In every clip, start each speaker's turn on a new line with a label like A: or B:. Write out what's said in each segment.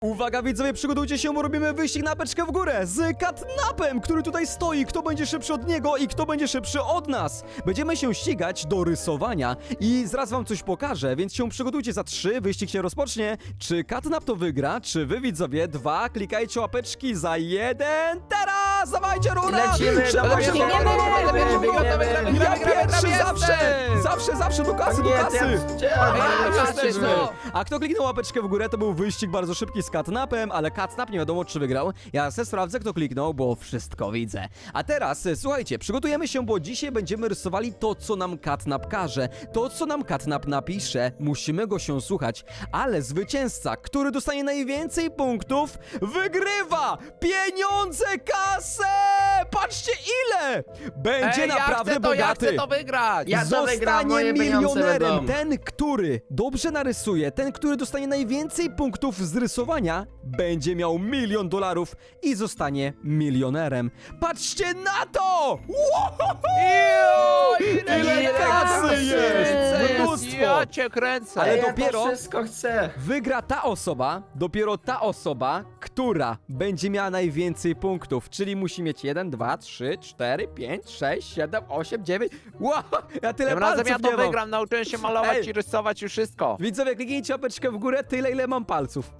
A: Uwaga widzowie, przygotujcie się, bo robimy wyścig na beczkę w górę z Catnapem, który tutaj stoi. Kto będzie szybszy od niego i kto będzie szybszy od nas? Będziemy się ścigać do rysowania i zaraz wam coś pokażę, więc się przygotujcie za 3, wyścig się rozpocznie. Czy Catnap to wygra? Czy wy widzowie? 2, klikajcie łapeczki za 1, teraz! Dawajcie, rura!
B: Lecimy,
A: Szybko się
B: biegniemy.
A: Ja pierwszy zawsze, do kasy, do kasy! A kto kliknął łapeczkę w górę, to był wyścig bardzo szybki z Catnapem, ale Catnap nie wiadomo czy wygrał. Ja se sprawdzę kto kliknął, bo wszystko widzę. A teraz, słuchajcie, przygotujemy się, bo dzisiaj będziemy rysowali to, co nam Catnap każe. To, co nam Catnap napisze, musimy go się słuchać. Ale zwycięzca, który dostanie najwięcej punktów, wygrywa pieniądze, kasę! Patrzcie ile! Będzie naprawdę bogaty.
C: Ja chcę to wygrać!
B: Ja to wygram,
A: Zostanie
B: moje pieniądze
A: milionerem
B: będą.
A: ten, który dobrze narysuje, ten, który dostanie najwięcej punktów z rysowania, będzie miał $1 000 000 i zostanie milionerem. Patrzcie na to! Ile kasy jest! Mnóstwo!
C: Ja cię kręcę!
A: Ale
B: Ja
A: dopiero-
B: to wszystko chcę.
A: Wygra dopiero ta osoba, która będzie miała najwięcej punktów, czyli musi mieć 1, 2, 3, 4, 5, 6, 7, 8, 9. Wow, ja tyle
C: Tym razem
A: palców
C: ja
A: nie
C: to
A: mam.
C: wygram, nauczyłem się malować
A: Ej.
C: i rysować już wszystko.
A: Widzowie, kliknijcie łapeczkę w górę, tyle ile mam palców.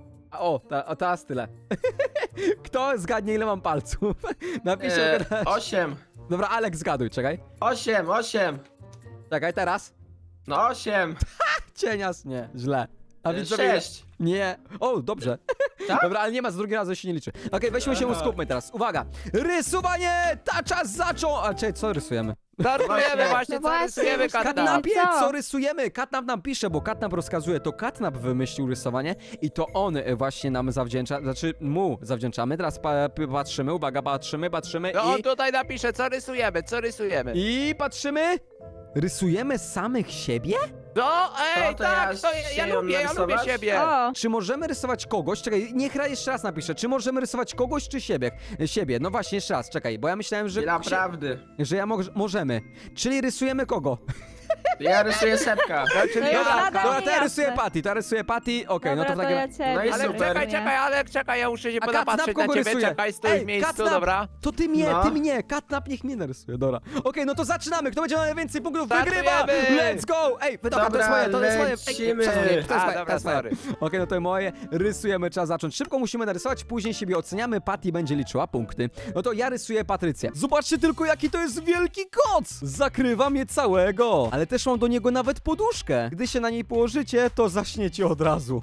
A: Teraz tyle. Kto zgadnie ile mam palców? Napiszcie.
B: 8.
A: Dobra, Alek, zgaduj, czekaj.
B: 8.
A: Czekaj, teraz.
B: No 8.
A: Cienias, nie, źle. A widzowie,
B: 6.
A: nie. O, dobrze.
B: Tak?
A: Dobra, ale nie ma, z drugiego razu się nie liczy. Okej, weźmy się,
B: Aha.
A: skupmy teraz. Uwaga! Rysowanie! Ta czas zaczął! A czekaj, co rysujemy?
C: Rysujemy właśnie, co
D: Właśnie,
C: rysujemy, Catnap.
A: Catnapie,
D: Co?
A: co rysujemy? Catnap nam pisze, bo Catnap rozkazuje. To Catnap wymyślił rysowanie i to on właśnie nam zawdzięcza, znaczy mu zawdzięczamy. Teraz patrzymy, uwaga, patrzymy
C: No on
A: i...
C: tutaj napisze, co rysujemy.
A: I patrzymy! Rysujemy samych siebie?
C: No, ej,
B: To
C: tak,
B: ja
C: to
B: się ją
C: ja lubię
B: narysować?
C: siebie.
D: O,
A: Czy możemy rysować kogoś? Czekaj, niech jeszcze raz napiszę. Czy możemy rysować kogoś, czy siebie? Siebie. No właśnie, jeszcze raz, czekaj, bo ja myślałem, że...
B: Naprawdę.
A: Że możemy. Czyli rysujemy kogo?
B: Ja rysuję sepka.
C: Czyli
D: To
C: ja,
D: jest
C: tak,
D: nadal
A: Dobra, to ja
D: jasne.
A: rysuję Patty, okej, no
D: dobra,
A: to w
D: to
A: takim...
D: ja ciebie.
B: No i
D: rysuję.
B: super.
C: czekaj, Alek, czekaj, ja muszę się
A: A Catnap
C: popatrzeć na
A: kogo
C: ciebie,
A: rysuje?
C: czekaj, stój w miejscu,
A: Catnap,
C: dobra?
A: To ty mnie, Catnap niech mnie narysuje, dobra. Okej, no to zaczynamy, kto będzie miał najwięcej punktów, wygrywa!
C: Startujemy!
A: Let's go! Ej, dobra, to jest moje, to jest moje.
B: lecimy.
A: Przepraszam, to jest moje, to
C: dobra,
A: jest moje.
C: sorry.
A: Okej, no to moje, rysujemy, trzeba zacząć. Szybko musimy narysować, później siebie oceniamy, Patty będzie liczyła punkty. No to ja rysuję Patrycję. Zobaczcie tylko, jaki to jest wielki koc! Zakrywa mnie całego! Ale też mam do niego nawet poduszkę. Gdy się na niej położycie, to zaśniecie od razu.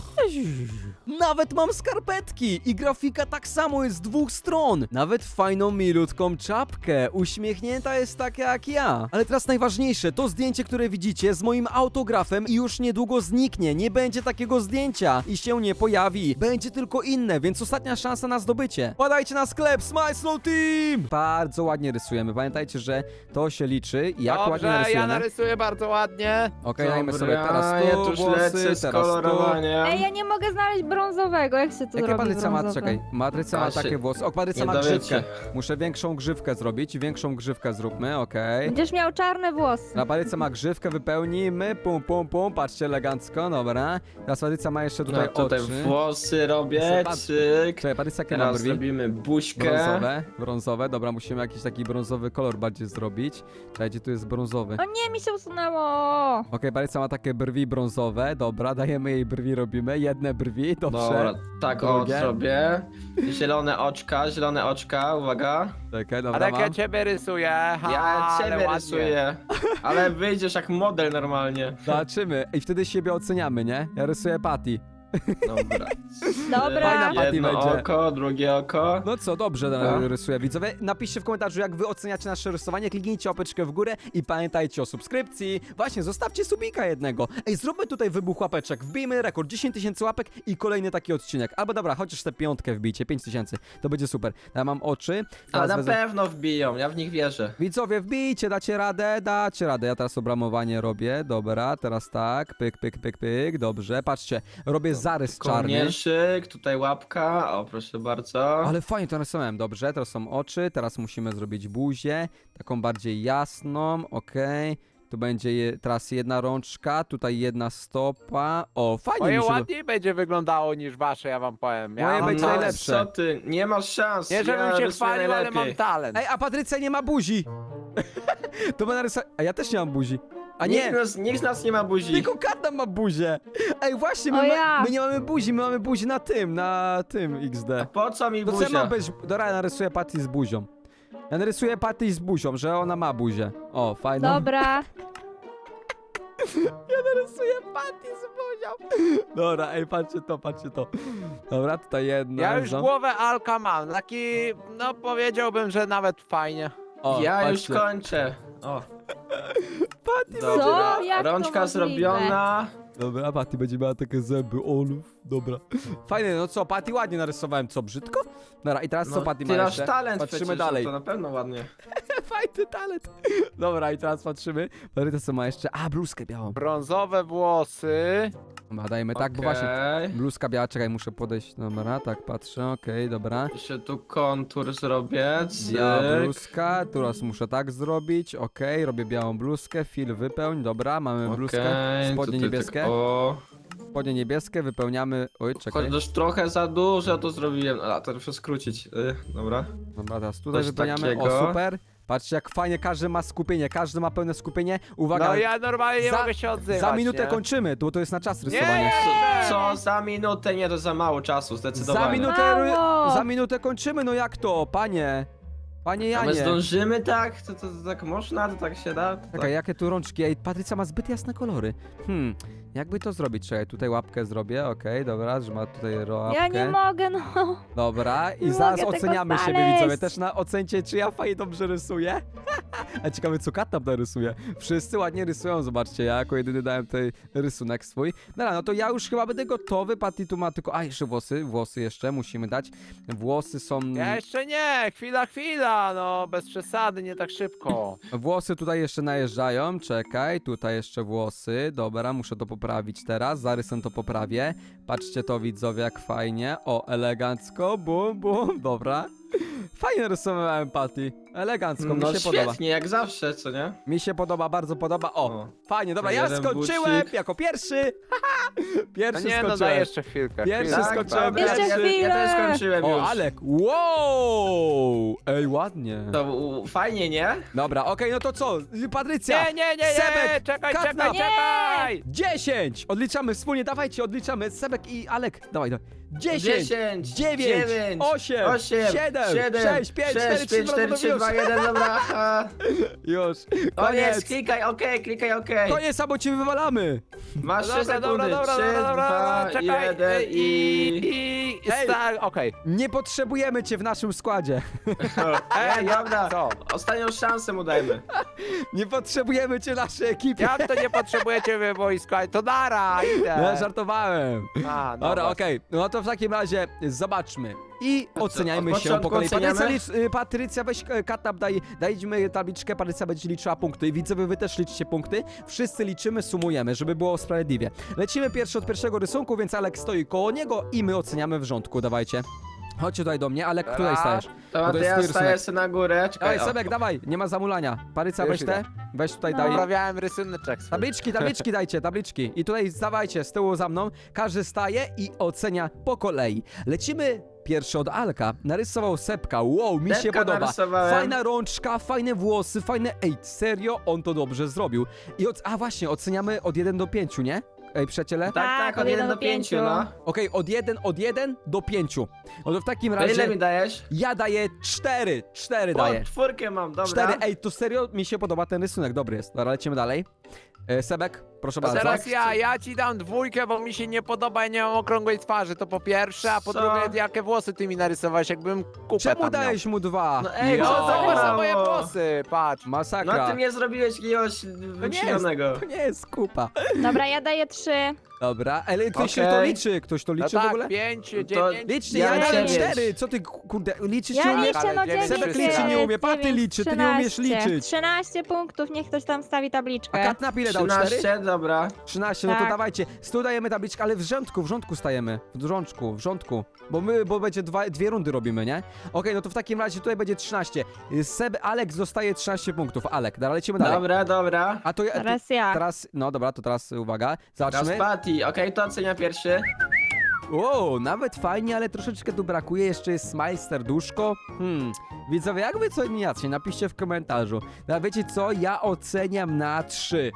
A: Nawet mam skarpetki i grafika tak samo jest z 2 stron. Nawet fajną, milutką czapkę. Uśmiechnięta jest taka jak ja. Ale teraz najważniejsze, to zdjęcie, które widzicie z moim autografem i już niedługo zniknie. Nie będzie takiego zdjęcia i się nie pojawi. Będzie tylko inne, więc ostatnia szansa na zdobycie. Wpadajcie na sklep Smile Slow Team! Bardzo ładnie rysujemy. Pamiętajcie, że to się liczy. Jak ładnie
C: Dobrze, ja
A: narysujemy.
C: narysuję bardzo ładnie.
A: Okej, dajmy sobie
B: Dobra,
A: teraz tu
B: ja tuż
A: włosy,
B: lecę z
A: teraz tu.
B: kolorowania.
D: Ej, ja nie mogę znaleźć brązowego, jak się to
A: Jakie
D: robi
A: Patrycja ma?
D: brązowe?
A: Czekaj, Patrycja ma
B: Właśnie,
A: takie włosy. O, Patrycja
B: nie
A: ma
B: dowiecie.
A: grzywkę. Muszę większą grzywkę zrobić. Większą grzywkę zróbmy, okej.
D: Będziesz miał czarne włosy.
A: Na Patrycja ma grzywkę, wypełnimy. Pum, pum, pum. Patrzcie, elegancko, dobra. Teraz Patrycja ma jeszcze tutaj
B: No tutaj
A: oczy.
B: włosy robię,
A: Zobacz.
B: cyk.
A: Czekaj, Patrycja, jakie ma
B: Teraz
A: brwi?
B: robimy buźkę.
A: Brązowe. Dobra, musimy jakiś taki brązowy kolor bardziej zrobić. Czekaj, gdzie tu jest brązowy?
D: O nie, mi się usunęło.
A: Okej, Patrycja ma takie brwi brązowe. Dobra, dajemy jej brwi, robimy. Jedne brwi, dobrze.
B: Dobra, tak o
A: Drugie.
B: zrobię. Zielone oczka, uwaga.
A: Czekaj, dobra,
C: Alek, ja
A: mam.
C: ciebie rysuję.
B: Ja
C: ale
B: ciebie
C: ładnie.
B: rysuję. Ale wyjdziesz jak model normalnie.
A: Zobaczymy. I wtedy siebie oceniamy, nie? Ja rysuję Patty.
B: Dobra.
D: Dobra.
A: Fajna Patty
B: Jedno
A: będzie.
B: oko, drugie oko.
A: No co, dobrze
B: No.
A: rysuję. Widzowie, napiszcie w komentarzu, jak wy oceniacie nasze rysowanie, kliknijcie łapeczkę w górę i pamiętajcie o subskrypcji. Właśnie, zostawcie subika jednego. Ej, zróbmy tutaj wybuch łapeczek, wbijmy rekord, 10 000 łapek i kolejny taki odcinek. Albo dobra, chociaż tę 5 wbijcie, 5 000, to będzie super. Ja mam oczy.
B: A
A: Teraz
B: na pewno wbiją, ja w nich wierzę.
A: Widzowie, wbijcie, dacie radę. Ja teraz obramowanie robię, dobra, teraz tak, pyk, pyk, pyk, pyk, dobrze, patrzcie, robię zarys czarny.
B: Kołnierzyk, tutaj łapka, o proszę bardzo.
A: Ale fajnie to narysowałem, dobrze, teraz są oczy, teraz musimy zrobić buzię, taką bardziej jasną, okej. Tu będzie teraz jedna rączka, tutaj jedna stopa. O, fajnie
C: Moje
A: mi się
C: ładniej będzie wyglądało niż wasze, ja wam powiem.
A: Moje
C: Ja mam
A: będzie
C: talent.
A: najlepsze.
B: Co ty? Nie masz szans.
C: Nie, żebym
B: ja
C: się
B: rysuję
C: chwalił, ale
B: najlepiej.
C: mam talent.
A: Ej, a Patrycja nie ma buzi! To będę rysować... A ja też nie mam buzi. A nie!
B: Nikt z nas nie ma buzi.
A: Tylko Katam ma buzię! Ej, właśnie,
D: O
A: my,
D: ja.
A: my nie mamy buzi, my mamy buzi na tym XD.
B: A po co mi
A: To co ja
B: buzia?
A: mam być? Dobra, ja narysuję Patty z buzią. Ja narysuję Patty z buzią, że ona ma buzię. O, fajną.
D: Dobra.
A: Ja narysuję Patty z buzią. Dobra, ej, patrzcie to. Dobra, tutaj jedna.
C: Ja już
A: za-
C: głowę Alka mam, taki, no powiedziałbym, że nawet fajnie.
A: O,
B: Ja już
A: patrzcie.
B: kończę. O.
A: Patty
B: Dobra.
D: Co? Jak to
B: Rączka
D: możliwe?
B: zrobiona.
A: Dobra, Patty będzie miała takie zęby, olów. Dobra. Fajne, no co, Patty ładnie narysowałem, co, brzydko? Dobra, i teraz co
B: No,
A: Patty
B: ty
A: ma
B: masz
A: jeszcze?
B: talent
A: Patrzymy
B: przecież,
A: dalej.
B: To na pewno ładnie.
A: Fajny talent. Dobra, i teraz patrzymy. Patty co ma jeszcze? A, bluzkę białą.
C: Brązowe włosy.
A: Dobra, dajmy tak, bo właśnie
B: Okej.
A: bluzka biała, czekaj, muszę podejść. Dobra, tak patrzę, okej, dobra.
B: Jeszcze tu kontur zrobię.
A: Biała
B: Cyk.
A: bluzka, teraz muszę tak zrobić, okej, robię białą bluzkę, fil wypełń, dobra, mamy bluzkę,
B: Okej,
A: spodnie
B: tutaj
A: niebieskie,
B: tak, o.
A: spodnie niebieskie, wypełniamy, oj, czekaj,
B: Chociaż trochę za dużo to zrobiłem. A, to muszę skrócić. Dobra.
A: dobra, teraz tutaj
B: coś
A: wypełniamy,
B: takiego.
A: o, super, patrzcie jak fajnie, każdy ma skupienie, każdy ma pełne skupienie, uwaga,
C: No ja normalnie nie
A: Za-
C: mogę się odzywać,
A: za minutę
C: nie?
A: kończymy, bo to jest na czas
C: Nie!
A: rysowania.
B: Co za minutę? Nie, to za mało czasu, zdecydowanie.
D: Mało.
A: Za minutę kończymy, no jak to, panie
B: A my
A: Janie.
B: zdążymy tak? To tak można? To tak się da?
A: Czekaj, jakie tu rączki? Ej, Patrycja ma zbyt jasne kolory. Jakby to zrobić? Czekaj, tutaj łapkę zrobię, okej, dobra, że ma tutaj łapkę.
D: Ja nie mogę, no.
A: Dobra, i
D: Nie
A: zaraz
D: mogę tego
A: oceniamy siebie,
D: znaleźć.
A: widzowie. Też ocencie, czy ja fajnie dobrze rysuję. A ciekawe, co Kat tam rysuje. Wszyscy ładnie rysują, zobaczcie, ja jako jedyny dałem tutaj rysunek swój. Dobra, no to ja już chyba będę gotowy. Patty tu ma tylko... A, jeszcze włosy jeszcze musimy dać. Włosy są...
C: Ja jeszcze nie, chwila, no bez przesady, nie tak szybko.
A: Włosy tutaj jeszcze najeżdżają, czekaj, tutaj jeszcze włosy, dobra, muszę to poprawić teraz, zarysem to poprawię, patrzcie to widzowie jak fajnie, o, elegancko, bum, bum, dobra, fajnie rysowałem Patty, elegancko, mi
B: No
A: się
B: świetnie,
A: podoba,
B: jak zawsze, co nie?
A: mi się podoba, bardzo podoba, o, fajnie, dobra, ja
B: jeden
A: skończyłem
B: bucik.
A: jako pierwszy,
C: No
A: pierwszy
C: nie, no daj
A: skończyłem.
C: jeszcze chwilkę.
A: Pierwszy
C: chwilkę.
A: skończyłem,
B: dobra,
D: Jeszcze
B: ja
D: chwilę.
B: też skończyłem już.
A: O, Alek, wow, ej, ładnie,
B: To fajnie, nie?
A: dobra, okej, no to co, Patrycja,
C: Nie,
A: Sebek,
C: czekaj,
A: Katna.
C: czekaj!
A: 10! Odliczamy wspólnie, dawajcie, odliczamy. Sebek i Alek, dawaj. 10, 9, 8, 7, 6, 5, 4, 3,
B: 2, 1, dobra.
A: Już,
B: O jest,
A: koniec.
B: klikaj OK, klikaj OK.
A: Koniec, albo cię wywalamy.
B: Masz 3
C: Dobra,
B: sekundy. 3, 2,
C: czekaj.
B: 1
A: Ej.
C: Tak, okej.
A: Nie potrzebujemy cię w naszym składzie.
B: Ej, dobra.
C: Co?
B: Ostatnią szansę mu dajmy.
A: Nie potrzebujemy cię w naszej ekipie.
C: Jak to nie potrzebujecie wy wojska? To dara, idę.
A: Ja żartowałem.
C: A, no
A: Dobra,
C: właśnie.
A: okej. No to w takim razie zobaczmy. I
B: co,
A: oceniajmy
B: od
A: się po
B: początku
A: kolei.
B: oceniamy?
A: Patrycja, weź Katap, dajmy tabliczkę, Patrycja będzie liczyła punkty. I widzowie, wy też liczycie punkty. Wszyscy liczymy, sumujemy, żeby było sprawiedliwie. Lecimy od pierwszego rysunku, więc Alek stoi koło niego i my oceniamy w rządku. Dawajcie. Chodźcie tutaj do mnie, Alek, tutaj
C: Raz.
A: stajesz.
B: Dobra,
A: to
B: to
A: jest
B: ja
A: twój
B: staję
A: rysunek.
B: sobie na górę. Czekaj,
A: Dawaj,
B: o.
A: Sebek, dawaj, nie ma zamulania. Patrycja,
C: Już
A: weź te,
C: idę.
A: weź tutaj,
D: No.
A: daj.
C: Poprawiałem rysuneczek swój.
A: Tabliczki dajcie, tabliczki. I tutaj zdawajcie z tyłu za mną. Każdy staje i ocenia po kolei. Lecimy pierwszy od Alka. Narysował Sepka. Wow, mi się
B: Sepka
A: podoba.
B: narysowałem.
A: Fajna rączka, fajne włosy, fajne... Ej, serio? On to dobrze zrobił. A właśnie, oceniamy od 1 do 5, nie? Ej, przyjaciele?
B: Tak, od 1 do 5, no.
A: Okej, od 1 do 5. No to w takim
B: To ile
A: razie
B: mi dajesz?
A: ja daję 4. 4
B: O,
A: daję.
B: 4 mam, dobra.
A: 4. Ej, to serio mi się podoba ten rysunek, dobry jest. Dobra, lecimy dalej. Sebek, proszę bardzo.
C: Teraz ja ci dam 2, bo mi się nie podoba, ja nie mam okrągłej twarzy, to po pierwsze, a po
B: Co?
C: drugie, jakie włosy ty mi narysowałeś, jakbym kupę
A: Czemu
C: tam
A: dałeś mu 2?
B: No ej,
C: miał.
B: co
C: No,
B: za
C: zobacz na
B: mało?
C: moje włosy, patrz.
A: Masakra.
B: No ty nie zrobiłeś jakiegoś wyśmionego.
A: To nie jest kupa.
D: Dobra, ja daję 3.
A: Dobra, ale ktoś
B: Okej.
A: to liczy. Ktoś to
C: No
A: liczy w ogóle?
C: tak, 5,
B: To
C: 9.
A: Liczcie,
B: Ja
A: ja dałem
B: 9.
A: 4. Co ty, kurde, liczysz
D: Ja
A: nie umiesz?
D: liczę, no
C: Ale
D: 9
C: Sebek
A: liczy, nie
D: jest,
A: umie, Paty
D: 9,
A: liczy, ty nie umiesz
D: 13.
A: liczyć.
D: 13 punktów, niech ktoś tam stawi
A: A
D: tabliczkę.
A: Katnap ile dał? 4?
B: 13 dobra.
A: 13, no to
D: Tak.
A: dawajcie. Tu dajemy tabliczkę, ale w rządku stajemy. W rządku. Bo będzie dwie rundy robimy, nie? Okej, no to w takim razie tutaj będzie 13. Alek dostaje 13 punktów. Alek, dobra, lecimy dalej.
B: Dobra, dobra.
A: A to ja...
D: Teraz ja.
A: Teraz, no dobra, to teraz uwaga.
B: Teraz
A: Zobaczmy.
B: Patty, okej, to ocenia pierwszy.
A: Wow, nawet fajnie, ale troszeczkę tu brakuje. Jeszcze jest smile, serduszko. Widzowie, jak wy co oceniacie? Napiszcie w komentarzu. No, wiecie co? Ja oceniam na 3.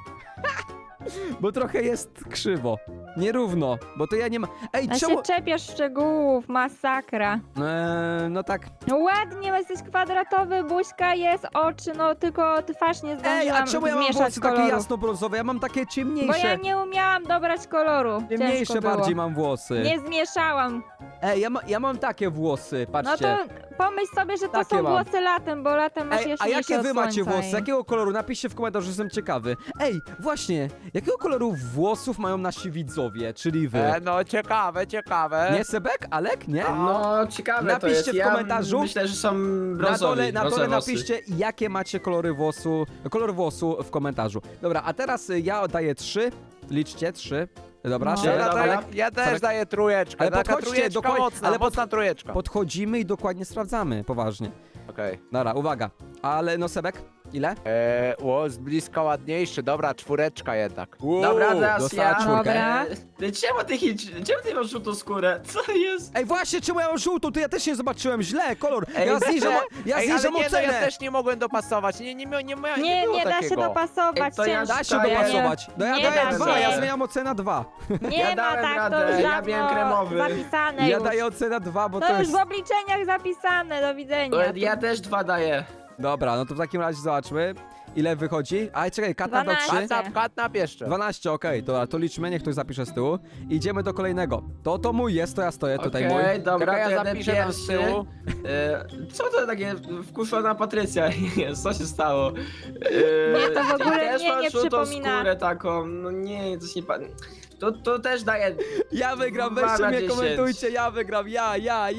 A: Bo trochę jest krzywo. Nierówno, bo to ja nie ma... Ej,
D: A
A: czemu...
D: się czepiasz szczegółów, masakra.
A: No tak.
D: No ładnie, jesteś kwadratowy, buźka jest, oczy, no tylko twarz nie zdążyłam
A: Ej, a czemu ja mam
D: zmieszać
A: włosy takie
D: koloru.
A: jasno-brązowe? Ja mam takie
D: Bo ja
A: ciemniejsze.
D: nie umiałam dobrać koloru.
A: Ciemniejsze
D: Ciężko było.
A: bardziej mam włosy.
D: Nie zmieszałam.
A: Ej, ja mam takie włosy,
D: No
A: patrzcie.
D: to pomyśl sobie, że to
A: Takie
D: są
A: mam.
D: włosy latem, bo latem masz
A: Ej, a
D: jaśniejsze
A: jakie wy
D: od
A: macie
D: słońca
A: włosy?
D: i-
A: Jakiego koloru? Napiszcie w komentarzu, że jestem ciekawy. Ej, właśnie, jakiego koloru włosów mają nasi widzowie, czyli wy?
C: No ciekawe.
A: Nie Sebek? Alek? Nie?
B: No, ciekawe to
A: Napiszcie
B: jest.
A: w
B: Ja
A: komentarzu.
B: myślę, że są
A: Na
B: brązowi,
A: dole
B: brązowe włosy.
A: napiszcie, jakie macie kolor włosu w komentarzu. Dobra, a teraz ja oddaję 3. Liczcie, 3. Dobra,
D: No.
A: Sebek,
B: Dobra.
A: Alek.
C: Ja też
A: Sebek.
C: daję trójeczkę.
A: Ale
C: Taka
A: podchodźcie,
C: trójeczka
A: dokładnie,
C: mocna,
A: ale
C: mocna trójeczka.
A: Podchodzimy i dokładnie sprawdzamy, poważnie.
C: Okej.
A: Dobra, uwaga. Ale no Sebek, ile?
C: Z bliska ładniejszy. Dobra, czwóreczka jednak.
B: Dobra, teraz
A: dostała
B: ja.
A: czwórkę.
D: Dobra.
B: Czemu ty masz żółtą skórę? Co jest?
A: Ej, właśnie, czemu ja mam żółtą? To ja też nie zobaczyłem źle, kolor.
B: Ej,
A: Ja zniżam, ja
C: Ej, ale
A: zniżam
C: nie, no,
A: ocenę.
C: ja też nie mogłem dopasować. Nie było
D: Nie da się
C: takiego.
D: dopasować,
B: Ej, to ja
D: ciężko.
A: Da się
B: Daję.
A: dopasować. No ja
D: Nie
A: daję
D: da
A: 2,
D: się.
A: ja zmieniam ocenę 2.
D: Nie
B: Ja
D: ma
B: dałem
D: tak, to
B: radę,
D: już
B: ja
D: dawno
B: byłem kremowy.
D: zapisane
A: Ja
D: już.
A: daję ocenę 2, bo
D: To
A: to
D: już
A: jest...
D: w obliczeniach zapisane, do widzenia.
B: Ja też 2 daję.
A: Dobra, no to w takim razie zobaczmy. Ile wychodzi? A czekaj, kat na
D: 12.
A: 3.
C: Katnap jeszcze.
A: 12, okej, to liczmy, niech ktoś zapisze z tyłu. Idziemy do kolejnego. To mój jest, to ja stoję tutaj mój.
B: Okej, dobra,
C: Czekaj,
B: to
C: ja
B: jadę
C: zapiszę tam z
B: pierwszy.
C: tyłu.
B: Co to takie wkuszona Patrycja jest? Co się stało?
D: Nie, to w
B: ty
D: ogóle
B: też
D: nie
B: masz żółtą
D: przypomina.
B: skórę taką, no nie, coś nie... To też daję
A: Ja wygram,
B: 2
A: weźcie
B: na
A: mnie,
B: 10.
A: komentujcie, ja wygram, ja.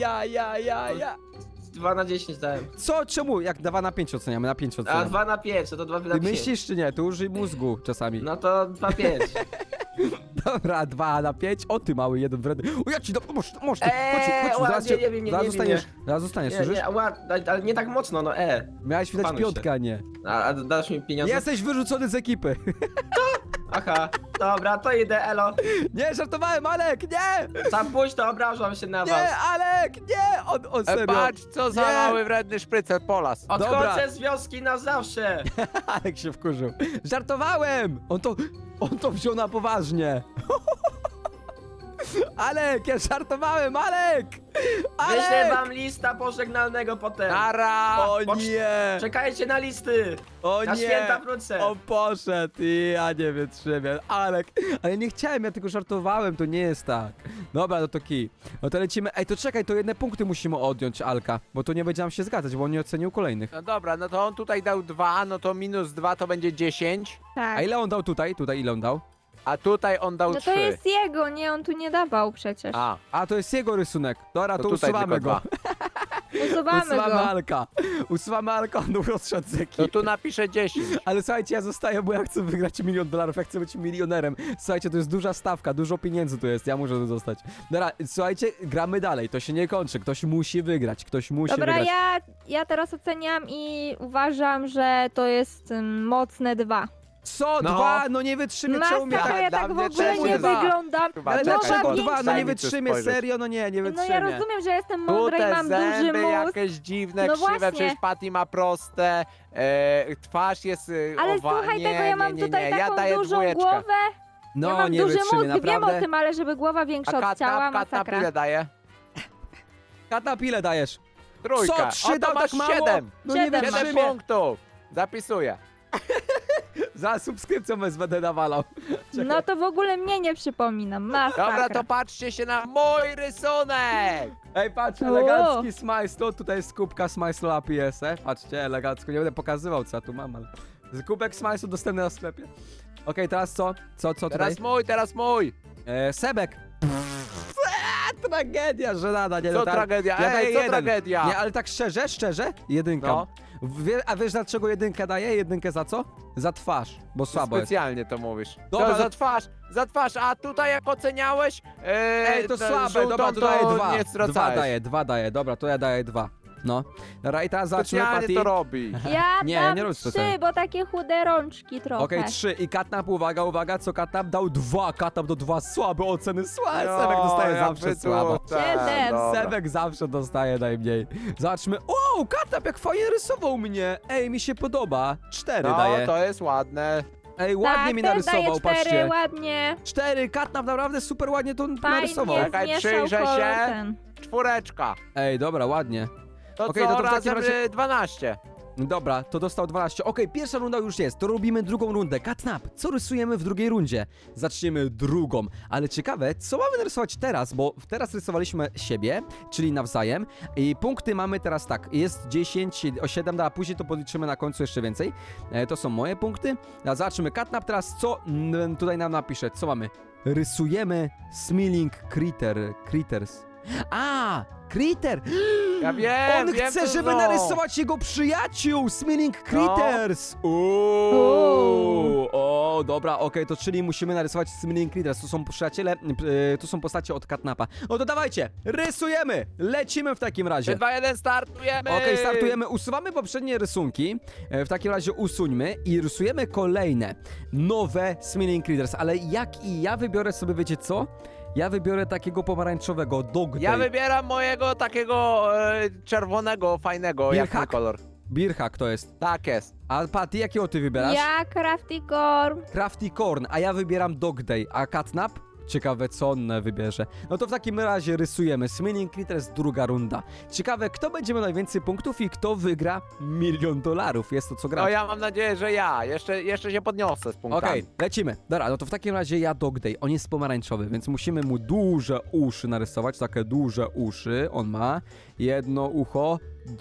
B: 2 na 10 dałem.
A: Co? Czemu? Jak 2 na 5 oceniamy, na 5
B: A
A: oceniamy.
B: 2 na 5, to 2 na
A: Ty
B: 5.
A: myślisz czy nie? Tu użyj mózgu czasami.
B: No to 2 5.
A: Dobra, 2 na 5. O ty mały, jeden wredny. O ja ci dam, masz, chodź,
B: ładnie,
A: zaraz cię,
B: nie wiem, nie
A: zaraz
B: wiem,
A: zostaniesz, zaraz zostaniesz,
B: Nie,
A: słyszysz?
B: nie, ale nie tak mocno, no
A: Miałeś widać
B: Opanuj się.
A: piątkę, a nie.
B: A dasz mi pieniądze?
A: Jesteś wyrzucony z ekipy.
B: Aha, dobra, to idę, elo.
A: Nie, żartowałem, Alek, nie!
B: Za późno obrażam się na was.
A: Nie, Alek, nie! On serio.
C: Patrz, co za
A: Nie.
C: mały, wredny szprycel, Polas.
A: Dobra.
B: Odchodzę z wioski na zawsze.
A: Alek się wkurzył. Żartowałem! On to wziął na poważnie. Alek, ja żartowałem, Alek!
B: Wyślę
A: Alek!
B: wam lista pożegnalnego potem.
C: Nara!
A: O
B: Pocz-
A: nie!
B: Czekajcie na listy.
A: O
B: Na
A: nie!
B: święta wrócę.
A: On poszedł i ja nie wytrzymam. Alek, ale nie chciałem, ja tylko żartowałem, to nie jest tak. Dobra, no to kij. No to lecimy. Ej, to czekaj, to jedne punkty musimy odjąć Alka, bo to nie będzie nam się zgadzać, bo on nie ocenił kolejnych.
C: No dobra, no to on tutaj dał 2, no to minus 2 to będzie 10,
D: Tak.
A: A ile on dał tutaj? Tutaj ile on dał?
C: a tutaj on dał
D: No
C: 3.
D: to jest jego, nie, on tu nie dawał przecież.
C: A,
A: To jest jego rysunek. Dobra, to
C: tutaj
A: usuwamy
C: tylko
A: go.
C: 2.
D: Usuwamy
A: Usuwamy
D: go.
A: Alka. Usuwamy Alka, on rozszedł z
C: To
A: ekipy.
C: tu napiszę 10.
A: Ale słuchajcie, ja zostaję, bo ja chcę wygrać $1 000 000, ja chcę być milionerem. Słuchajcie, to jest duża stawka, dużo pieniędzy tu jest, ja muszę tu zostać. Dobra, słuchajcie, gramy dalej, to się nie kończy, ktoś musi wygrać, ktoś musi
D: Dobra,
A: wygrać.
D: ja teraz oceniam i uważam, że to jest mocne 2.
A: Co?
C: No.
A: 2? No nie wytrzymię, czemu mnie
D: Masakra,
A: tak...
D: ja
C: dla
D: tak w
C: mnie
D: ogóle
C: czemu
D: nie
C: dwa?
D: wyglądam.
C: Chyba
A: Ale
C: czekaj,
A: dlaczego
C: bo
A: 2? No
C: daj
A: nie
C: mi tu
A: wytrzymię,
C: spojrzeć.
A: serio, no nie
D: No
A: wytrzymię.
D: ja rozumiem, że jestem
C: Tu
D: mądra i
C: te
D: mam duży
C: zęby
D: mózg.
C: jakieś dziwne,
D: No
C: krzywe,
D: właśnie.
C: przecież Patty ma proste, twarz jest
D: Ale
C: owa...
D: słuchaj
C: nie,
D: tego, ja mam
C: nie,
D: tutaj
C: ja
D: taką
C: daję
D: dużą
C: dwójeczkę.
D: głowę.
A: No
D: ja mam
A: nie
D: duży
A: wytrzymię,
D: mózg, wiem
A: naprawdę.
D: o tym, ale żeby głowa
C: A
D: większa od ciała,
C: katnap
D: masakra.
C: ile daje?
A: Katap, ile dajesz?
C: Trójka.
A: Co? 3
C: O, to
A: dał
C: masz
A: tak mało?
C: 7.
A: No nie
D: 7
C: 7
A: wytrzymię.
C: punktów. Zapisuję.
A: Za subskrypcją będę nawalał. Czekaj.
D: No to w ogóle mnie nie przypominam, masakra.
C: Dobra, to patrzcie się na mój rysunek.
A: Ej, patrz,
D: O.
A: elegancki smajslo, tutaj jest kubka smajslo APS, patrzcie, elegancko, nie będę pokazywał, co ja tu mam, ale... Kubek smajslu dostępny na sklepie. Okej, teraz co? Co tutaj?
C: Teraz mój.
A: Sebek. Tragedia, żenada, nie
C: Co
A: no, tak-
C: tragedia?
A: ja daję
C: Ej, co
A: jeden.
C: tragedia?
A: Nie, ale tak szczerze, jedynka.
C: No.
A: A wiesz dlaczego jedynkę daję? Jedynkę za co? Za twarz, bo słabo jest.
C: Specjalnie to mówisz.
A: Dobra,
C: To za twarz, a tutaj jak oceniałeś...
A: Ej, to słabe,
C: żółtą,
A: dobra, to daję dwa.
C: Nie
A: Dwa daję, dobra, to ja daję 2. No. Dobra, i teraz zobaczymy,
C: Specjalnie
A: Patty.
C: to robi.
D: Ja
A: Nie,
D: dam
A: nie rób
D: 3,
A: specjalnie.
D: bo takie chude rączki trochę.
A: Okej, 3 i Katnap, uwaga, co Katnap dał? 2, Katnap do 2, słabe oceny, słabe.
C: No,
A: Sebek dostaje
C: ja
A: zawsze
C: by tu-
A: słabo.
C: tak,
D: Siedem.
C: dobra.
A: Sebek zawsze dostaje najmniej. Zobaczmy, o, Katnap jak fajnie rysował mnie. Ej, mi się podoba. 4
C: No,
A: daje.
C: to jest ładne.
A: Ej, ładnie
D: Tak,
A: mi
D: też
A: narysował,
D: daję 4,
A: patrzcie.
D: ładnie.
A: 4, Katnap naprawdę super ładnie to narysował.
D: Fajnie
C: Czekaj,
D: zmieszał
C: przyjrzę
D: kolor
C: się.
D: ten.
C: 4.
A: Ej, dobra, ładnie.
C: To
A: Okej,
C: co,
A: no to w takim
C: razem
A: razie-
C: 12.
A: Dobra, to dostał 12. Okej, pierwsza runda już jest, to robimy drugą rundę. Katnap, co rysujemy w drugiej rundzie? Zaczniemy drugą, ale ciekawe, co mamy narysować teraz, bo teraz rysowaliśmy siebie, czyli nawzajem i punkty mamy teraz tak, jest 10, o 7, a później to podliczymy na końcu jeszcze więcej. To są moje punkty. A zobaczymy, Katnap teraz co tutaj nam napisze, co mamy? Rysujemy Smiling Critters. A, Critter!
C: Ja wiem,
A: On
C: wiem,
A: chce,
C: to
A: żeby
C: są.
A: narysować jego przyjaciół, Smiling Critters!
D: Uuu.
A: O, dobra, okej, to czyli musimy narysować Smiling Critters. To są przyjaciele, to są postacie od Katnapa. No to dawajcie, rysujemy! Lecimy w takim
C: 3,
A: razie.
C: 2, 1, startujemy!
A: Okej, startujemy, usuwamy poprzednie rysunki, w takim razie usuńmy i rysujemy kolejne, nowe Smiling Critters, ale ja wybiorę sobie, wiecie co? Ja wybiorę takiego pomarańczowego, Dog
C: Ja
A: Day.
C: wybieram mojego takiego czerwonego, fajnego, jak
A: Birhak?
C: mój kolor.
A: Birhak to jest.
C: Tak jest.
A: A Patty, jakiego ty wybierasz?
D: Ja Crafty Corn.
A: Crafty Corn, a ja wybieram Dog Day, a Catnap? Ciekawe, co on wybierze. No to w takim razie rysujemy Smiling Critters, druga runda. Ciekawe, kto będzie miał najwięcej punktów i kto wygra $1 000 000. Jest to co gra.
C: No ja mam nadzieję, że ja. Jeszcze się podniosę z punktami.
A: Okej, lecimy. Dobra, no to w takim razie ja Dog Day. On jest pomarańczowy, więc musimy mu duże uszy narysować. Takie duże uszy on ma. Jedno ucho,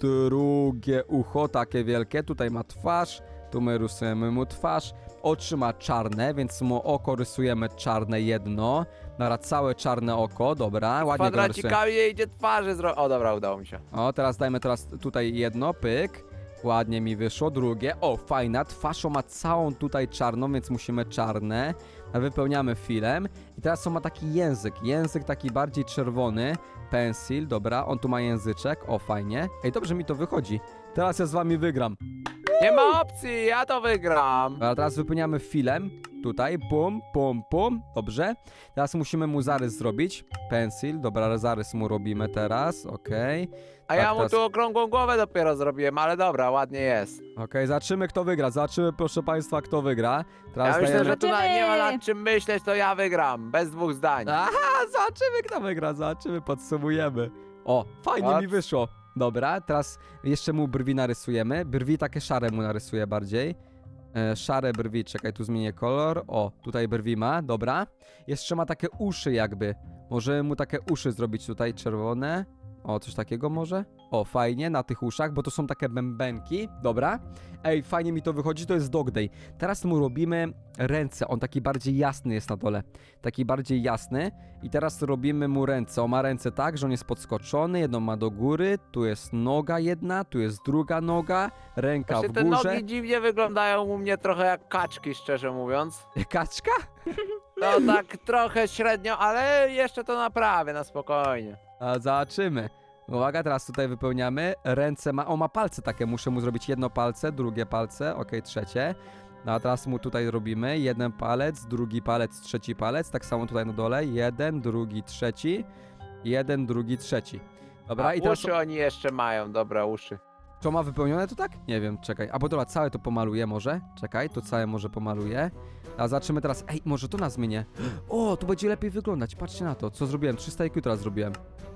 A: drugie ucho, takie wielkie. Tutaj ma twarz. Tu my rysujemy mu twarz. Oczy ma czarne, więc mu oko rysujemy czarne jedno. Dobra, całe czarne oko, dobra, ładnie go narysujemy.
C: Kwadracikami idzie twarzy zrobić. O, dobra, udało mi się.
A: O, teraz dajmy tutaj jedno, pyk. Ładnie mi wyszło, drugie. O, fajna, twarz ma całą tutaj czarną, więc musimy czarne. Wypełniamy filem. I teraz on ma taki język taki bardziej czerwony. Pensil, dobra, on tu ma języczek, o, fajnie. Ej, dobrze mi to wychodzi. Teraz ja z wami wygram.
C: Nie ma opcji, ja to wygram.
A: Dobra, teraz wypełniamy filem. Tutaj, pum, pum, pum. Dobrze. Teraz musimy mu zarys zrobić. Pensil, dobra, zarys mu robimy teraz, okej.
C: A ja
A: Tak,
C: mu
A: teraz-
C: tu okrągłą głowę dopiero zrobiłem, ale dobra, ładnie jest.
A: Okej, zobaczymy kto wygra. Zobaczymy, proszę państwa, kto wygra. Teraz
C: Ja myślę,
A: dajemy...
C: że tu nie ma nad czym myśleć, to ja wygram. Bez dwóch zdań.
A: Aha, zobaczymy kto wygra, zobaczymy, podsumujemy. O, fajnie
C: Patrz.
A: mi wyszło. Dobra, teraz jeszcze mu brwi narysujemy. Brwi takie szare mu narysuję bardziej. Szare brwi, czekaj, tu zmienię kolor. O, tutaj brwi ma, dobra. Jeszcze ma takie uszy jakby. Możemy mu takie uszy zrobić tutaj, czerwone. O, coś takiego może? O, fajnie, na tych uszach, bo to są takie bębenki. Dobra. Ej, fajnie mi to wychodzi, to jest Dog Day. Teraz mu robimy ręce, on taki bardziej jasny jest na dole. Taki bardziej jasny. I teraz robimy mu ręce. On ma ręce tak, że on jest podskoczony, jedną ma do góry, tu jest noga jedna, tu jest druga noga, ręka
C: Właśnie
A: w
C: te
A: górze.
C: nogi dziwnie wyglądają u mnie trochę jak kaczki, szczerze mówiąc.
A: Kaczka?
C: No tak trochę średnio, ale jeszcze to naprawię na spokojnie.
A: A zobaczymy. Uwaga, teraz tutaj wypełniamy. Ręce ma. O, ma palce takie. Muszę mu zrobić jedno palce, drugie palce, okej, trzecie. No a teraz mu tutaj robimy jeden palec, drugi palec, trzeci palec. Tak samo tutaj na dole. Jeden, drugi, trzeci. Jeden, drugi, trzeci. Dobra,
C: A
A: i teraz
C: uszy oni jeszcze mają, dobra, uszy.
A: to ma wypełnione to tak? Nie wiem, czekaj. A bo dobra, całe to pomaluję może. Czekaj, to całe może pomaluję. A zobaczymy teraz. Ej, może to na zmienię. O, tu będzie lepiej wyglądać. Patrzcie na to, co zrobiłem. 300 IQ teraz zrobiłem.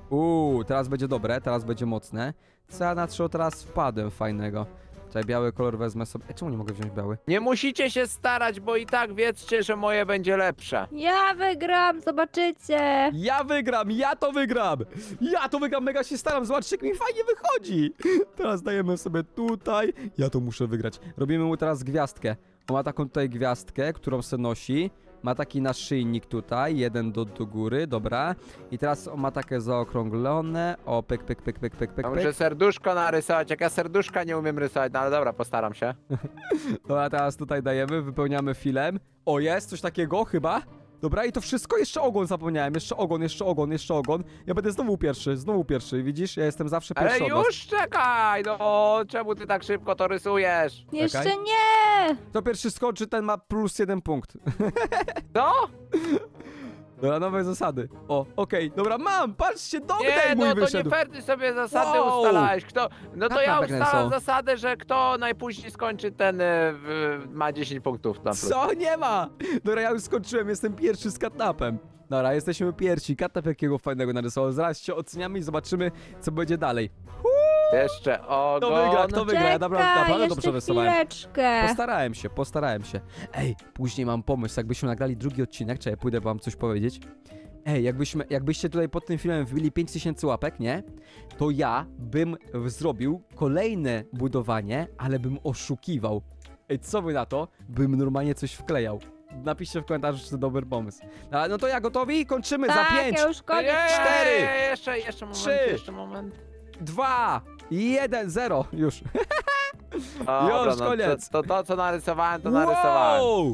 A: Teraz będzie dobre, teraz będzie mocne. Co ja na co teraz wpadłem fajnego. Czekaj, biały kolor wezmę sobie. Czemu nie mogę wziąć biały?
C: Nie musicie się starać, bo i tak wiedzcie, że moje będzie lepsze.
D: Ja wygram, zobaczycie.
A: Ja wygram, ja to wygram! Ja to wygram, mega się staram, zobaczcie jak mi fajnie wychodzi! Teraz dajemy sobie tutaj, ja to muszę wygrać. Robimy mu teraz gwiazdkę. On ma taką tutaj gwiazdkę, którą se nosi. Ma taki naszyjnik tutaj, jeden do góry, dobra. I teraz ma takie zaokrąglone. O, pyk, pyk, pyk, pyk, pyk, pyk,
C: Ja muszę
A: pyk.
C: serduszko narysować, jak ja serduszka nie umiem rysować, no ale dobra, postaram się.
A: Dobra, teraz tutaj dajemy, wypełniamy filem. O, jest coś takiego chyba. Dobra, i to wszystko, jeszcze ogon zapomniałem, jeszcze ogon, jeszcze ogon, jeszcze ogon. Ja będę znowu pierwszy, widzisz? Ja jestem zawsze
C: Ale
A: pierwszy od was.
C: już czekaj, no czemu ty tak szybko to rysujesz?
D: Jeszcze
A: Czekaj.
D: nie!
A: Kto pierwszy skoczy, ten ma plus 1 punkt.
C: Co?
A: Dobra, nowe zasady. O, okej, dobra, mam, patrzcie,
C: Nie,
A: dogdaj mój
C: no to
A: wyszedł.
C: nie fair, ty sobie zasady
A: Wow.
C: ustalałeś. Kto? No to
A: Tak,
C: ja
A: tak
C: ustalam
A: są.
C: zasadę, że kto najpóźniej skończy, ten ma 10 punktów na plus.
A: Co? Nie ma! Dobra, ja już skończyłem, jestem pierwszy z katnapem. Dobra, jesteśmy pierwsi. Katnap jakiego fajnego narysował. Zaraz się oceniamy i zobaczymy, co będzie dalej.
C: Jeszcze ogon.
A: Kto wygra? Kto wygra? Ja
D: Czekaj,
A: naprawdę dobrze
D: jeszcze
A: rysowałem.
D: chwileczkę.
A: Postarałem się. Ej, później mam pomysł, jakbyśmy nagrali drugi odcinek, czekaj, pójdę wam coś powiedzieć. Ej, jakbyście tutaj pod tym filmem wbili 5000 łapek, nie? To ja bym zrobił kolejne budowanie, ale bym oszukiwał. Ej, co wy na to? Bym normalnie coś wklejał. Napiszcie w komentarzu, czy to dobry pomysł. No to ja gotowi? Kończymy za
D: Tak,
A: 5,
D: ja już koniec.
A: cztery,
C: Jeszcze moment,
A: 3,
C: jeszcze moment.
A: 2, 1, 0. Już.
C: Dobra,
A: Już,
C: no,
A: koniec.
C: To co narysowałem, to narysowałem.
A: Wow!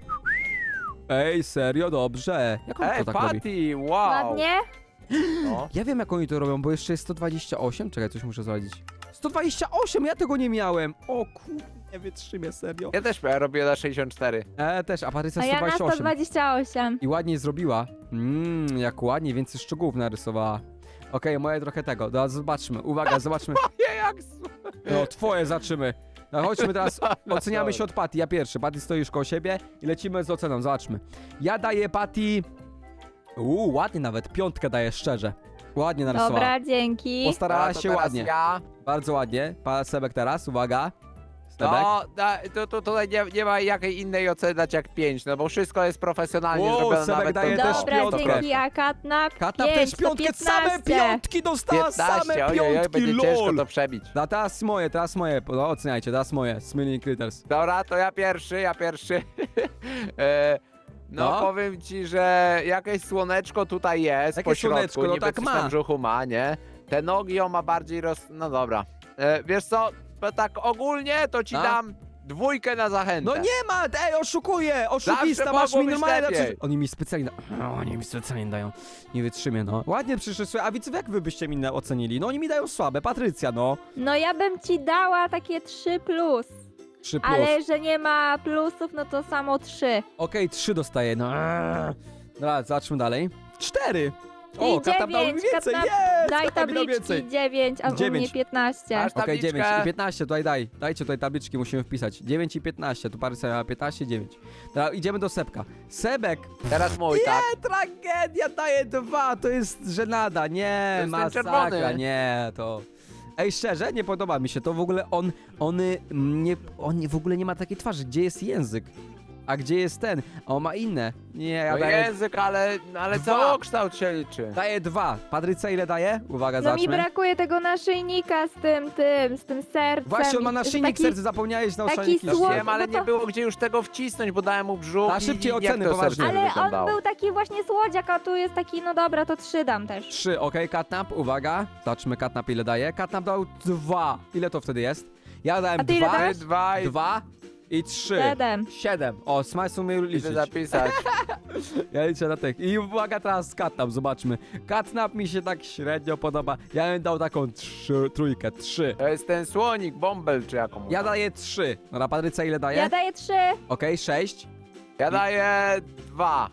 A: Ej, serio, dobrze. Jak on
C: Ej,
A: to tak robi?
C: Patty, wow.
D: Ładnie?
C: No.
A: Ja wiem, jak oni to robią, bo jeszcze jest 128. Czekaj, coś muszę sprawdzić. 128, ja tego nie miałem. O kurde, nie wytrzymię, serio.
C: Ja też robię na 64.
A: Też, a Patrycja
D: A ja na
A: 128.
D: 128.
A: I ładnie zrobiła. Jak ładnie, więcej szczegółów narysowała. Okej, moje trochę tego. Teraz zobaczmy. Uwaga, zobaczmy.
C: Nie, jak...
A: No, twoje zaczynamy. No, chodźmy teraz,
C: Dobra,
A: oceniamy się od Patty. Ja pierwszy. Patty stoisz koło siebie i lecimy z oceną. Zobaczmy. Ja daję Patty... ładnie nawet. 5 daję szczerze. Ładnie narysowała.
D: Dobra, dzięki.
A: Postarała
C: No, to
A: się
C: teraz
A: ładnie.
C: Ja.
A: Bardzo ładnie. Pan Sebek teraz, uwaga. Sebek.
C: No, tutaj nie ma jakiej innej oceny dać jak 5, no bo wszystko jest profesjonalnie
A: Wow,
C: zrobione,
A: Sebek
C: nawet
A: daje
C: to-
A: też
D: Dobra,
A: piątkę.
D: dzięki, a Katnap
A: Katnap
D: 5,
A: też piątkę,
D: to
A: same
D: 15.
A: piątki dostała,
C: 15,
A: same
C: ojej,
A: piątki,
C: będzie ciężko
A: lol.
C: to przebić.
A: No teraz moje, no oceniajcie, teraz moje, Smiling Critters.
C: Dobra, to ja pierwszy. No,
A: No.
C: powiem ci, że jakieś słoneczko tutaj jest
A: Jakie
C: po środku,
A: słoneczko? No
C: niby
A: tak
C: coś
A: ma.
C: tam w brzuchu ma, nie? Te nogi on ma bardziej No dobra. Wiesz co, to tak ogólnie to ci
A: No.
C: dam 2 na zachętę.
A: No nie ma, ej, oszukuje, oszukista,
C: Zawsze
A: masz
C: mogło
A: mi
C: być
A: normalnie
C: lepiej.
A: lepszy... Oni mi specjalnie, oni mi specjalnie dają, nie wytrzymię, no. Ładnie przyszły, a widzowie, jak wy byście mi ocenili? No oni mi dają słabe, Patrycja, no.
D: No ja bym ci dała takie 3+.
A: 3+.
D: Ale że nie ma plusów, no to samo 3.
A: Okej, 3 dostaję, no. Dobra, zobaczmy dalej. 4! O,
D: I
A: Katnap dał mi
D: 9,
A: więcej,
D: Katnap,
A: jest!
D: Daj
A: Katnap mi dał więcej.
D: tabliczki 9, a u
A: 9.
D: mnie 15.
C: Aż
A: Okej, 9
C: tabliczkę.
A: i 15, tutaj dajcie tutaj tabliczki, musimy wpisać. 9 i 15, tu Patrycja miała 15, 9. Dobra, idziemy do Sebka. Sebek,
C: Teraz mój, tak?
A: tragedia, daje 2, to jest żenada, nie,
C: To jest ten
A: masakra,
C: czerwony.
A: nie, to... Ej, szczerze, nie podoba mi się to, w ogóle on w ogóle nie ma takiej twarzy, gdzie jest język? A gdzie jest ten? A on ma inne. Nie, ja
C: No
A: daję...
C: język, ale
A: Dwa.
C: całokształt się liczy.
A: Daję 2. Patrycja ile daje? Uwaga,
D: No mi
A: zobaczmy.
D: brakuje tego naszyjnika z tym sercem.
A: Właśnie, on ma naszyjnik
D: Taki-
A: serca, zapomniałeś na
D: taki
A: naszyjnik.
D: słodki.
C: Wiem, ale
D: no to-
C: nie było gdzie już tego wcisnąć, bo dałem mu brzuch
A: A szybciej
C: i
A: oceny,
C: jak to
A: poważnie.
C: serce
D: Ale on
C: wyglądało.
D: był taki właśnie słodziak, a tu jest taki, no dobra, to 3 dam też.
A: 3, okej, Katnap, uwaga. Zobaczmy, Katnap ile daje. Katnap dał 2. Ile to wtedy jest? Ja dałem
D: A ty ile
A: 2,
D: dałeś?
C: 2 i
A: 2 i 3.
D: 7.
A: 7. O, Smajs umie
C: chcę
A: liczyć.
C: zapisać.
A: Ja liczę na tych. I uwaga, teraz Katnap, zobaczmy. Katnap mi się tak średnio podoba. Ja bym dał taką trójkę, 3.
C: To jest ten słonik, bąbel czy jaką.
A: Ja daję 3. Dobra, Patrycja ile daje?
D: Ja daję 3.
A: Okej, 6.
C: Ja daję 2.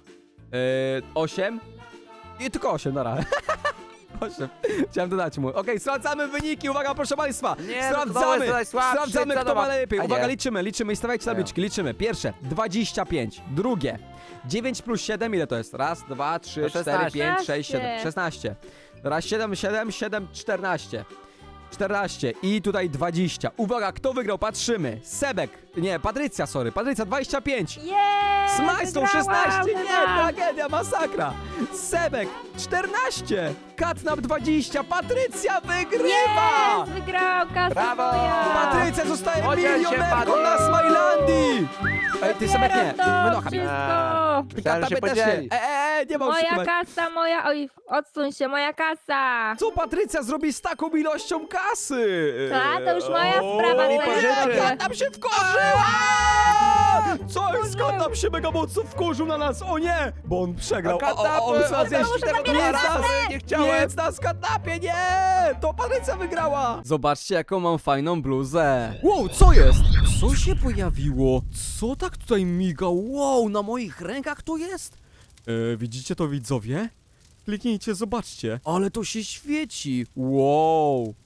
A: 8. I tylko 8, dobra. 8. Chciałem dodać mu. Okej, sprawdzamy wyniki, uwaga, proszę państwa.
C: Nie, no to
A: sprawdzamy,
C: jest tutaj słabszy,
A: sprawdzamy,
C: co
A: kto
C: to
A: ma
C: ma-
A: najlepiej.
C: A nie.
A: Uwaga, liczymy i stawiajcie tabliczki, liczymy. Pierwsze, 25. Drugie, 9 plus 7, ile to jest? Raz, 2, 3,
C: To
A: 4,
C: 16.
A: 5, 6, 7. 16. Teraz 7, 7, 7, 14. 14 i tutaj 20. Uwaga, kto wygrał? Patrzymy. Sebek. Nie, Patrycja, sorry. Patrycja, 25.
D: Jej!
A: Smajstą 16, nie,
D: wygrałam.
A: tragedia, masakra. Sebek 14, Katnap 20, Patrycja wygrywa!
D: Jest, wygrał, kasa
C: Brawo!
D: moja.
A: Patrycja zostaje
C: Podziel się,
A: milionerką
C: Patryk!
A: na Smilandii! Ej, ty Sebek nie,
D: Zbieram to
A: wynocha mnie.
D: wszystko.
A: Ty
C: Myślałem, że
A: Katnapie
C: się
A: też nie.
C: podzieli.
A: Nie ma
D: Moja
A: oszukiwać.
D: kasa, moja... Oj, odsuń się, moja kasa.
A: Co Patrycja zrobi z taką ilością kasy?
D: Ta, to już moja sprawa,
A: O,
D: twoje
C: rzeczy.
D: rzeczy.
A: Katnap się wkurzyła! Co jest? Katnap się mega mocno wkurzył na nas, o nie! Bo on przegrał, on chce zjeść
C: tego
A: nie
C: dolara,
A: nas,
C: sorry, nie chciałem.
A: Nic nas Katnapie, nie! To Patrycja wygrała! Zobaczcie, jaką mam fajną bluzę. Wow, co jest? Co się pojawiło? Co tak tutaj miga? Wow, na moich rękach to jest? Widzicie to, widzowie? Kliknijcie, zobaczcie. Ale to się świeci. Wow.